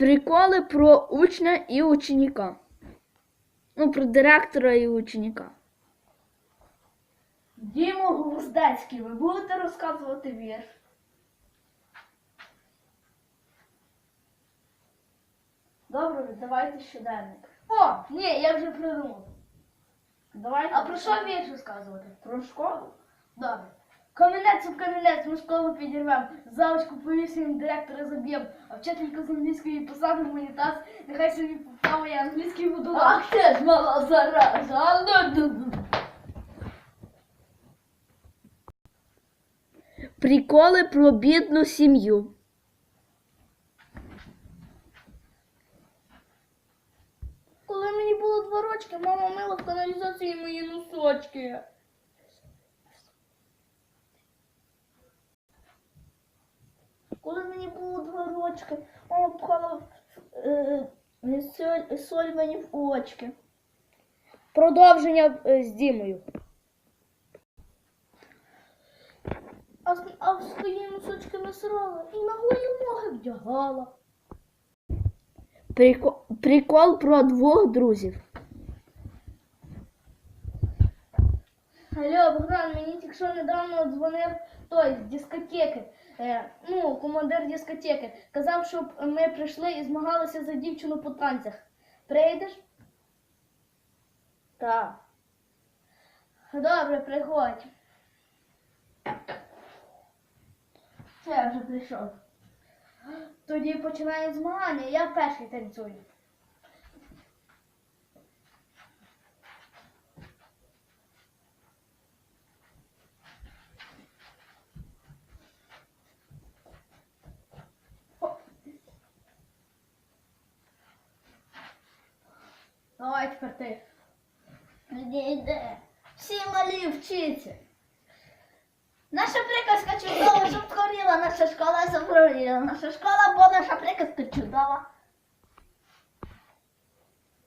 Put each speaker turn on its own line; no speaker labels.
Приколи про учня і ученика. Ну, про директора і ученика.
Дімо Гвоздецький, ви будете розказувати вірш? Добре, давайте щоденник. О, ні, я вже придумав. Давайте. А про що вірш розказувати? Про школу? Добре. Камінець об камінець, ми школу підірвем, залочку повісимо, директора заб'єм, а вчителька з англійської посадимо в унітаз, нехай собі плаває англійський водолаз. Ах ти ж мала зараза!
Приколи про бідну сім'ю.
Коли мені було 2 рочки, мама мила в каналізації мої носочки. Коли мені було 2 рочки, мама пхала соль мені в очки.
Продовження з Дімою.
А в свої носочки насрала і на голі ноги вдягала.
Прикол про 2 друзів.
Алло, Богдан, мені тільки що недавно дзвонив той з дискотеки. Командир дискотеки. Казав, щоб ми прийшли і змагалися за дівчину по танцях. Прийдеш? Так. Добре, приходь. Це я вже прийшов. Тоді починає змагання, я перший танцюю. Давай тепер ти. Йде. Всі малі вчиться. Наша приказка чудова, щоб згоріла, наша школа заборіла. Наша школа, бо наша приказка чудова.